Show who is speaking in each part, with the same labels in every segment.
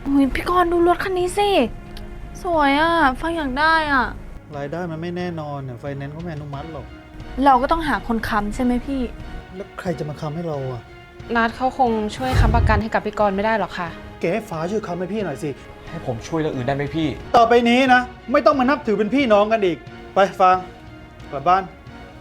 Speaker 1: โอ้ยพี่กรณ์ดูรถคันนี้สิสวยอ่ะฟังอยากได้อ่ะ
Speaker 2: รายได้มันไม่แน่นอนเนี่ยไฟแนนซ์เขาไม่อนุมัติหรอก
Speaker 1: เราก็ต้องหาคนค้ำใช่ไหมพี่
Speaker 2: แล้วใครจะมาค้ำให้เราอ่ะ
Speaker 3: นัดเขาคงช่วยค้ำประกันให้กับพี่กรณ์ไม่ได้หรอกค่ะ
Speaker 2: แกให้ฟ้าช่วยค้ำให้พี่หน่อยสิ
Speaker 4: ให้ผมช่วยเรื่องอื่นได้ไหมพี่
Speaker 2: ต่อไปนี้นะไม่ต้องมานับถือเป็นพี่น้องกันอีกไปฟังกลับบ้าน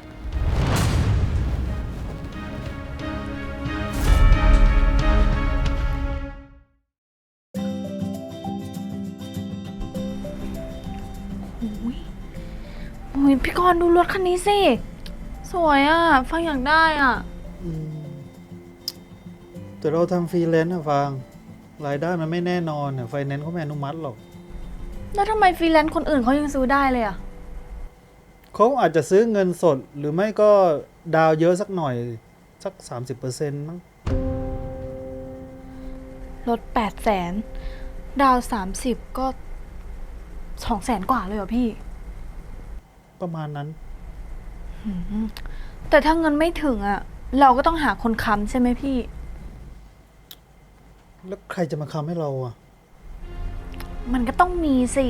Speaker 1: โอ้ยพี่กรณ์ดูรถคันนี้สิสวยอ่ะฟังอยากได้อ่ะ
Speaker 2: แต่เราทำฟรีแลนซ์นะฟังรายได้มันไม่แน่นอนเนี่ยไฟแนนซ์เขาไม่อนุมัติหรอก
Speaker 1: แล้วทำไมฟรีแลนซ์คนอื่นเขายังซื้อได้เลยอ่ะ
Speaker 2: เขาอาจจะซื้อเงินสดหรือไม่ก็ดาวเยอะสักหน่อยสัก 30%มั้ง
Speaker 1: รถ800,000ดาว30ก็200,000 กว่าเลยเหรอพี่
Speaker 2: ประมาณนั้น
Speaker 1: แต่ถ้าเงินไม่ถึงอ่ะเราก็ต้องหาคนค้ำใช่ไหมพี่
Speaker 2: แล้วใครจะมาค้ำให้เราอ่ะ
Speaker 1: มันก็ต้องมีสิ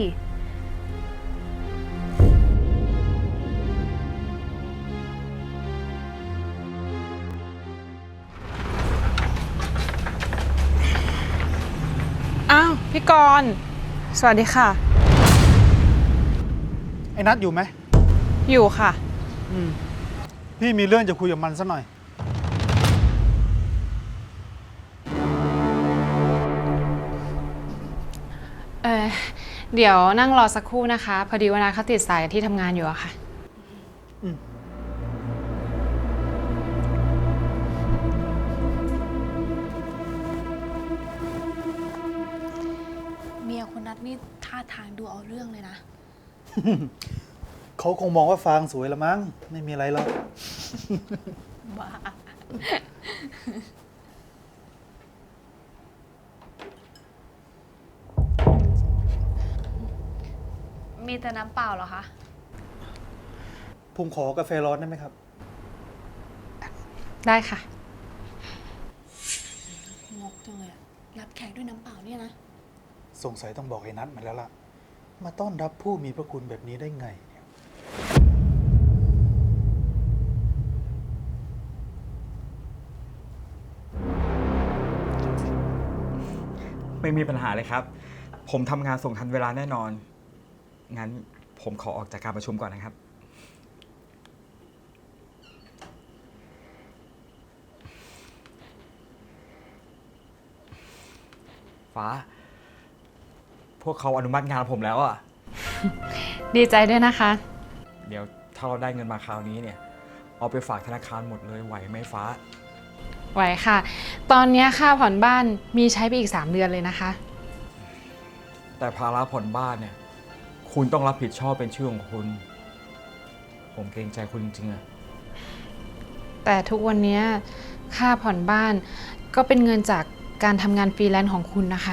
Speaker 3: อ้าวพี่กรณ์สวัสดีค่ะ
Speaker 2: ไอ้นัทอยู่ไหม
Speaker 3: อยู่ค่ะ
Speaker 2: พี่มีเรื่องจะคุยกับมันซะหน่อย
Speaker 3: เออเดี๋ยวนั่งรอสักครู่นะคะพอดีว่านัดเขาติดสายที่ทำงานอยู่อะค่ะ
Speaker 1: เมียคนนัดนี่ท่าทางดูเอาเรื่องเลยนะ
Speaker 2: เขาคงมองว่าฟางสวยละมั้งไม่มีอะไรหรอก
Speaker 1: บ้ามีแต่น้ำเปล่าเหรอคะ
Speaker 2: ผมขอกาแฟร้อนได้ไหมครับ
Speaker 3: ได้ค่ะ
Speaker 1: งกจังเลยอะรับแขกด้วยน้ำเปล่าเนี่ยนะ
Speaker 2: สงสัยต้องบอกไอ้นัทมาแล้วล่ะ มาต้อนรับผู้มีพระคุณแบบนี้ได้ไงเนี่ย
Speaker 4: ไม่มีปัญหาเลยครับ ผมทำงานส่งทันเวลาแน่นอน งั้นผมขอออกจากการประชุมก่อนนะครับ ฟ้า พวกเขาอนุมัติงานผมแล้วอ่ะ
Speaker 3: ดีใจด้วยนะคะ
Speaker 4: เดี๋ยวถ้าเราได้เงินมาคราวนี้เนี่ย เอาไปฝากธนาคารหมดเลยไหวไหมฟ้า
Speaker 3: ไหวค่ะ ตอนนี้ค่าผ่อนบ้านมีใช้ไปอีก3 เดือนเลยนะคะ
Speaker 4: แต่ภาระผ่อนบ้านเนี่ย คุณต้องรับผิดชอบเป็นชื่อของคุณ ผมเกรงใจคุณจริงๆอะ
Speaker 3: แต่ทุกวันนี้ค่าผ่อนบ้านก็เป็นเงินจากการทำงานฟรีแลนซ์ของคุณนะคะ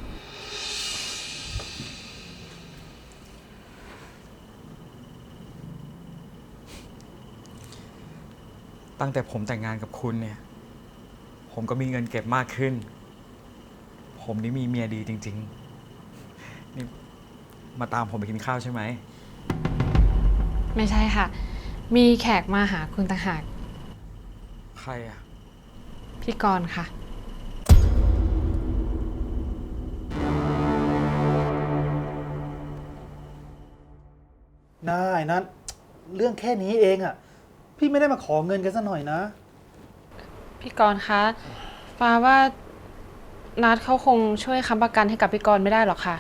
Speaker 4: ตั้งแต่ผมแต่งงานกับคุณเนี่ย ผมก็มีเงินเก็บมากขึ้น ผมนี่มีเมียดีจริงๆ นี่มาตามผมไปกินข้าวใช่ไหม
Speaker 3: ไม่ใช่ค่ะ มีแขกมาหาคุณต่างหาก
Speaker 4: ใครอ่ะ
Speaker 3: พี่กรณ์ค่ะ
Speaker 2: นายนัทเรื่องแค่นี้เองอ่ะ พี่ไม่ได้มาขอเงินกันซะหน่อยนะ
Speaker 3: พี่กรณ์คะฟ้าว่านัดเขาคงช่วยค้ำประกันให้กับพี่กรณ์ไม่ได้หรอกค่ะ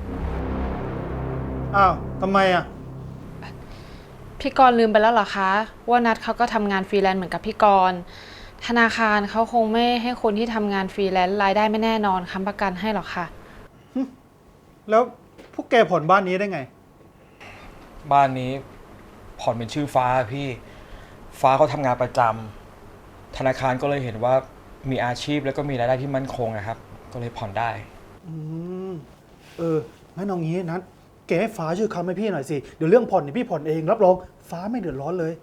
Speaker 2: อ้าวทำไมอ่ะ
Speaker 3: พี่กรณ์ลืมไปแล้วเหรอคะว่านัดเขาก็ทำงานฟรีแลนซ์เหมือนกับพี่กรณ์ธนาคารเขาคงไม่ให้คนที่ทำงานฟรีแลนซ์รายได้ไม่แน่นอนค้ำประกันให้หรอกค่ะ
Speaker 2: แล้วพวกแกผ่อนบ้านนี้ได้ไง
Speaker 4: บ้านนี้ผ่อนเป็นชื่อฟ้าพี่ ฟ้าเขาทำงานประจำธนาคารก็เลยเห็นว่ามีอาชีพแล้วก็มีรายได้ที่มั่นคงนะครับ ก็เลยผ่อนได้
Speaker 2: อืมงั้นเอางี้นัทแกให้ฟ้าช่วยค้ำให้พี่หน่อยสิ เดี๋ยวเรื่องผ่อนเนี่ยพี่ผ่อนเองรับรองฟ้าไม่เดือดร้อนเลย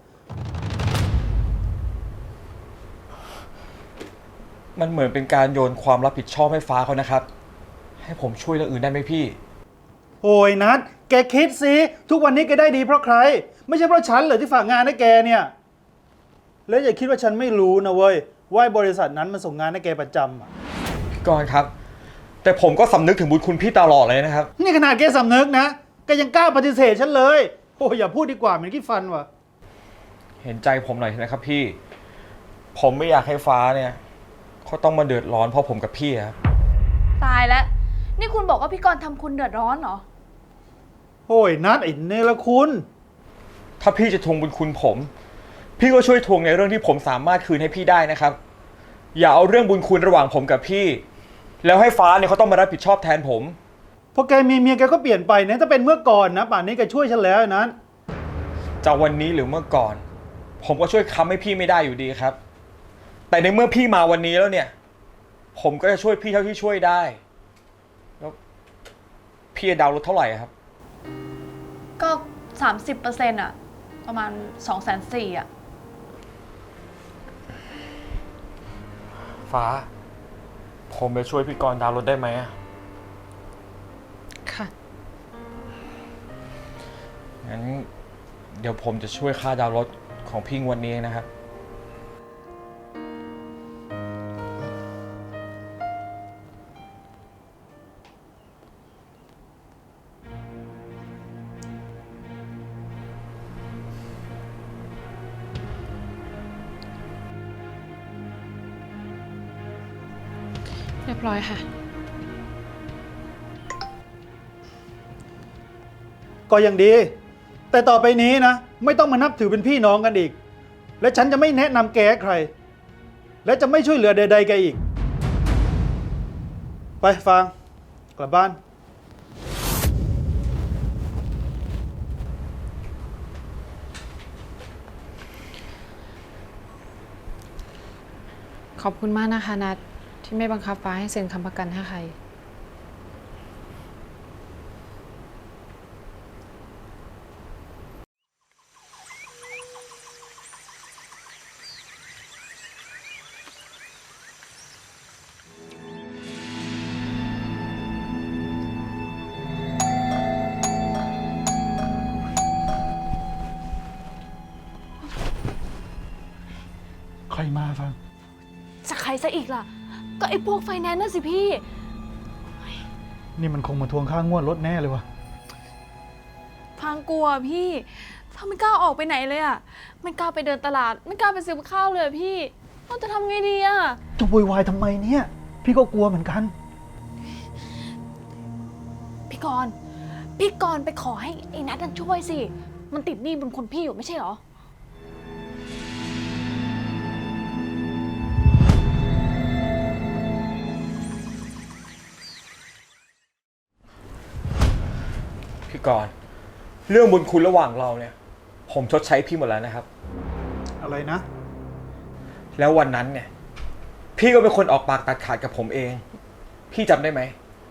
Speaker 4: มันเหมือนเป็นการโยนความรับผิดชอบให้ฟ้าเขานะครับ ใให้ผมช่วยเรื่องอื่นได้ไหมพี่
Speaker 2: โอ้ยนัดแกคิดสิทุกวันนี้แกได้ดีเพราะใคร ไม่ใช่เพราะฉันเหรอที่ฝากงานให้แกเนี่ย แล้วอย่าคิดว่าฉันไม่รู้นะเว้ยว่าบริษัทนั้นมันส่งงานให้แกประจำอะ
Speaker 4: พี่กรณ์ครับ แต่ผมก็สำนึกถึงบุญคุณพี่ตลอดเลยนะครับ
Speaker 2: นี่ขนาดแกสำนึกนะแกยังกล้าปฏิเสธฉันเลยโอ้ยอย่าพูดดีกว่าเหมือนขี้ฟันว่ะ
Speaker 4: เห็นใจผมหน่อยนะครับพี่ ผมไม่อยากให้ฟ้าเนี่ยเขาต้องมาเดือดร้อนเพราะผมกับพี่ครับ
Speaker 1: ตายแล้ว นี่คุณบอกว่าพี่กรณ์ทำคุณเดือดร้อนเหรอ
Speaker 2: โอ้ยนัดไอ้เนรคุณ
Speaker 4: ถ้าพี่จะทวงบุญคุณผม พี่ก็ช่วยทวงในเรื่องที่ผมสามารถคืนให้พี่ได้นะครับ อย่าเอาเรื่องบุญคุณระหว่างผมกับพี่ แล้วให้ฟ้าเนี่ยเขาต้องมารับผิดชอบแทนผม
Speaker 2: พอแกมีเมียแกก็เปลี่ยนไปนะถ้าเป็นเมื่อก่อนนะป่านนี้แกช่วยฉันแล้วนะ
Speaker 4: จะวันนี้หรือเมื่อก่อน ผมก็ช่วยค้ำให้พี่ไม่ได้อยู่ดีครับ แต่ในเมื่อพี่มาวันนี้แล้วเนี่ย ผมก็จะช่วยพี่เท่าที่ช่วยได้แล้วพี่จะดาวน์รถเท่าไหร่ครับ
Speaker 1: ก็ 30%อะประมาณ 240,000อะ
Speaker 4: ฟ้า ผมจะช่วยพี่กรณ์ดาวน์รถได้ไหมอะ
Speaker 3: ค่ะ
Speaker 4: งั้นเดี๋ยวผมจะช่วยค่าดาวน์รถของพี่งวันนี้นะครับ
Speaker 3: เรียบร้อยค่ะ
Speaker 2: ก็ยังดี แต่ต่อไปนี้นะไม่ต้องมานับถือเป็นพี่น้องกันอีก และฉันจะไม่แนะนำแกให้ใคร และจะไม่ช่วยเหลือใดๆแกอีก ไปฟางกลับบ้าน
Speaker 3: ขอบคุณมากนะคะนัดที่ไม่บังคับฟ้าให้เซ็นค้ำประกันให้ใคร
Speaker 2: ใครมาฟาง
Speaker 1: จะใครซะอีกล่ะ ก็ไอ้พวกไฟแนนซ์น่ะสิพี่
Speaker 2: นี่มันคงมาทวงค่างวดรถแน่เลยวะ
Speaker 1: พังกลัวพี่พังไม่กล้าออกไปไหนเลยอะไม่กล้าไปเดินตลาด ไม่กล้าไปซื้อข้าวเลยอะพี่เราจะทำไงดีอะ
Speaker 2: จะโวยวายทำไมเนี่ย พี่ก็กลัวเหมือนกัน
Speaker 1: พี่กรณ์ไปขอให้ไอ้นัทนั่นช่วยสิ มันติดหนี้บุญคุณพี่อยู่ไม่ใช่เหรอ
Speaker 4: พี่กรณ์เรื่องบุญคุณระหว่างเราเนี่ย ผมชดใช้พี่หมดแล้วนะครับ
Speaker 2: อะไรนะ
Speaker 4: แล้ววันนั้นเนี่ย พี่ก็เป็นคนออกปากตัดขาดกับผมเอง พี่จำได้ไหม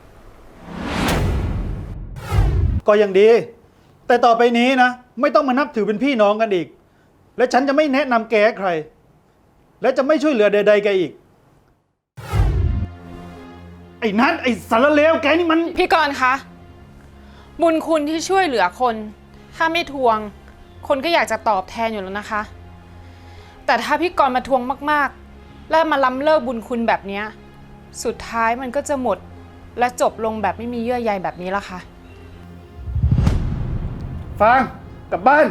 Speaker 2: ก็ยังดี แต่ต่อไปนี้นะไม่ต้องมานับถือเป็นพี่น้องกันอีก และฉันจะไม่แนะนำแกให้ใคร และจะไม่ช่วยเหลือใดๆแกอีก ไอ้นัทไอ้สารเลวแกนี่มัน
Speaker 3: พี่กรณ์คะ บุญคุณที่ช่วยเหลือคน ถ้าไม่ทวง คนก็อยากจะตอบแทนอยู่แล้วนะคะ แต่ถ้าพี่กรณ์มาทวงมากๆ และมาล้ำเลิกบุญคุณแบบเนี้ยสุดท้ายมันก็จะหมดและจบลงแบบไม่มีเยื่อใยแบบนี้ละค่ะ
Speaker 2: ฟางกลับบ้าน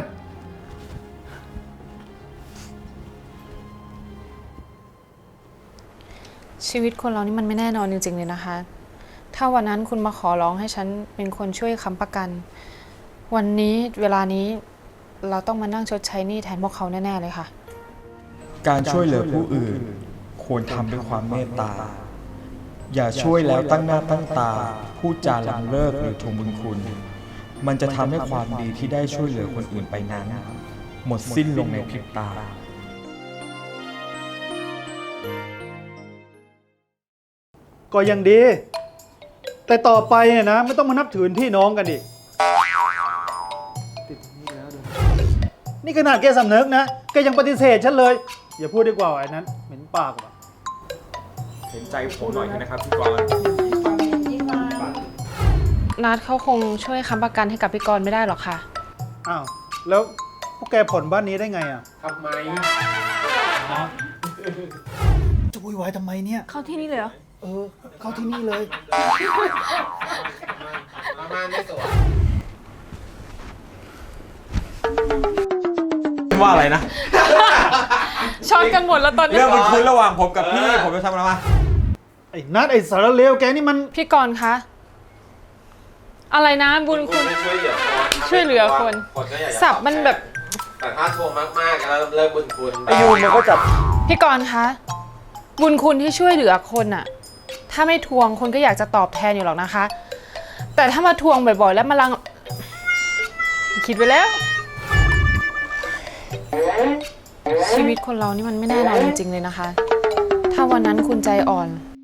Speaker 3: ชีวิตคนเรานี่มันไม่แน่นอนจริงๆเลยนะคะ ถ้าวันนั้นคุณมาขอร้องให้ฉันเป็นคนช่วยค้ำประกัน วันนี้เวลานี้เราต้องมานั่งชดใช้หนี้แทนพวกเขาแน่ๆเลยค่ะ
Speaker 4: การช่วยเหลือผู้อื่น ควรทำด้วยความเมตตา อย่าช่วยแล้วตั้งหน้าตั้งตา พูดจาหลังเลิกหรือทวงบุญคุณ มันจะทำให้ความดีที่ได้ช่วยเหลือคนอื่นไปนั้น หมดสิ้นลงในพริบตา
Speaker 2: ก็ยังดี แต่ต่อไปเนี่ยนะไม่ต้องมานับถือเป็นพี่น้องกันอีก นี่ขนาดแกสำนึกนะแกยังปฏิเสธฉันเลย อย่าพูดดีกว่าไอ้นั้นเหม็นปากว่ะ
Speaker 4: เห็นใจผมหน่อยนะครับพี่กรณ์
Speaker 2: ป
Speaker 3: นัดเขาคงช่วยค้ำประกันให้กับพี่กรณ์ไม่ได้หรอกค่ะ
Speaker 2: อ้าว แล้วพวกแกผ่อนบ้านนี้ได้ไงอ่ะ
Speaker 5: ทำไม
Speaker 2: จะวุ่นวายทำไมเนี่ย
Speaker 1: เข้าที่นี่เลยเหรอ
Speaker 2: เข้าที่นี่เลย
Speaker 5: มาม่าไม่สวย
Speaker 4: ว่าอะไรนะ
Speaker 3: ช็อตกันหมดแล้วตอนนี้
Speaker 4: เรื่องบุญคุณระหว่างผมกับพี่ ผมจะทำอะไรมา
Speaker 2: ไอ้นัดไอ้สารเลวแกนี่มัน
Speaker 3: พี่กรณ์คะ อะไรนะบุญคุณ
Speaker 5: ช่วยเหลือคน
Speaker 3: ช่วยเหลือคน
Speaker 5: คนก็อยากจะ
Speaker 3: สับมันแบบ
Speaker 5: แต่ถ้าทวงมากๆแล้วเลิกบุญคุณ
Speaker 2: ไอ้ยูมันก็จับ
Speaker 3: พี่กรณ์คะ บุญคุณที่ช่วยเหลือคนอะถ้าไม่ทวงคนก็อยากจะตอบแทนอยู่หรอกนะคะ แต่ถ้ามาทวงบ่อยๆ แล้วมาลัง คิดไปแล้ว ชีวิตคนเรานี่มันไม่แน่นอนจริงๆเลยนะคะ ถ้าวันนั้นคุณใจอ่อน